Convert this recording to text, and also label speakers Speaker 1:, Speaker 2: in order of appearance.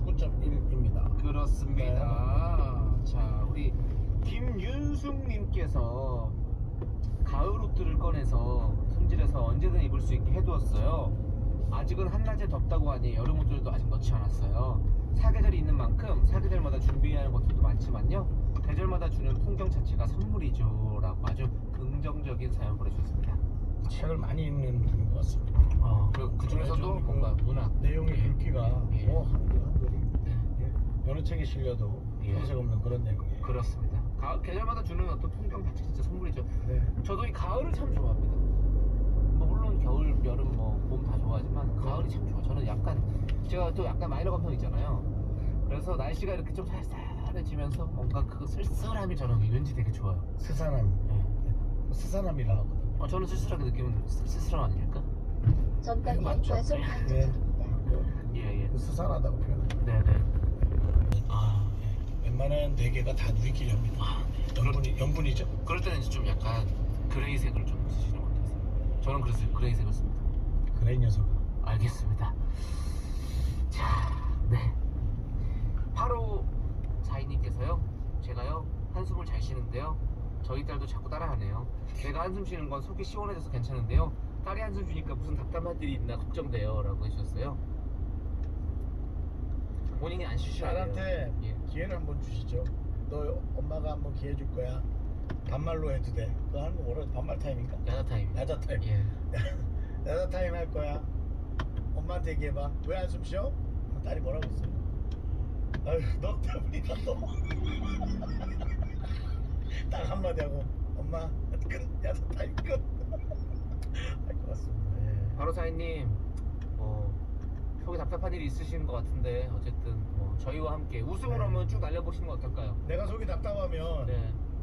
Speaker 1: 89.1입니다.
Speaker 2: 그렇습니다. 자, 우리 김윤숙님께서 가을 옷들을 꺼내서 손질해서 언제든 입을 수 있게 해두었어요. 아직은 한낮에 덥다고 하니 여름 옷들도 아직 넣지 않았어요. 사계절이 있는 만큼 사계절마다 준비해야 하는 것들도 많지만요, 계절마다 주는 풍경 자체가 선물이죠 라고 아주 긍정적인 사연 보내주셨습니다.
Speaker 1: 책을 많이 읽는 분인 것 같습니다.
Speaker 2: 그 중에서도 뭔가 문학
Speaker 1: 내용의
Speaker 2: 예.
Speaker 1: 굵기가
Speaker 2: 예.
Speaker 1: 뭐 한글이
Speaker 2: 네.
Speaker 1: 여러 책에 실려도
Speaker 2: 예.
Speaker 1: 손색 없는 그런 내용이에요.
Speaker 2: 그렇습니다. 계절마다 주는 어떤 풍경 자체 진짜 선물이죠.
Speaker 1: 네.
Speaker 2: 저도 이 가을을 참 좋아합니다. 뭐 물론 겨울, 여름, 뭐 봄 다 좋아하지만 가을이 참 좋아. 저는 약간 제가 또 약간 마이너 감성 있잖아요. 그래서 날씨가 이렇게 좀 쌀쌀해지면서 뭔가 그 쓸쓸함이 저는 왠지 되게 좋아요.
Speaker 1: 스산함.
Speaker 2: 예.
Speaker 1: 스산함이라 하거든요.
Speaker 2: 저는 쓸쓸하게 느끼면 쓸쓸함 아닙니까?
Speaker 3: 전방에
Speaker 1: 맞죠.
Speaker 3: 과속
Speaker 1: 네.
Speaker 3: 방지턱입니다.
Speaker 2: 예.
Speaker 1: 스산하다고 표현합니다.
Speaker 2: 네네.
Speaker 1: 웬만한 대개가 다 누리끼리 합니다. 연분이죠.
Speaker 2: 그럴 때는 이제 좀 약간 그레이색을 좀 쓰시는 것 같아요. 저는 그래서 그레이색을 씁니다.
Speaker 1: 그래 이 녀석.
Speaker 2: 알겠습니다. 자, 네. 8호 4인님께서요, 제가요 한숨을 잘 쉬는데요, 저희 딸도 자꾸 따라하네요. 내가 한숨 쉬는 건 속이 시원해져서 괜찮은데요, 딸이 한숨 쉬니까 무슨 답답한 일이 있나 걱정돼요 라고 해주셨어요. 본인이 안 쉬셔야 돼요.
Speaker 1: 딸한테
Speaker 2: 예.
Speaker 1: 기회를 한번 주시죠. 너 엄마가 한번 기회 줄 거야. 반말로 해도 돼. 그거 하는 거 뭐라 반말 타임인가?
Speaker 2: 야자 타임.
Speaker 1: 야자 타임.
Speaker 2: 예.
Speaker 1: 야자 타임 할 거야. 엄마한테 얘기해봐. 왜 한숨 쉬어? 딸이 뭐라고 했어요? 아유, 너 때문이다 너. 딱 한마디 하고 엄마 끝. 야자 타임 끝. 할 것 같습니다. 예.
Speaker 2: 바로 4인님, 속에 답답한 일이 있으신 것 같은데 어쨌든 뭐 저희와 함께 웃음으로
Speaker 1: 네.
Speaker 2: 한번 쭉 날려보시는 건 어떨까요?
Speaker 1: 내가 속이 답답하면
Speaker 2: 네.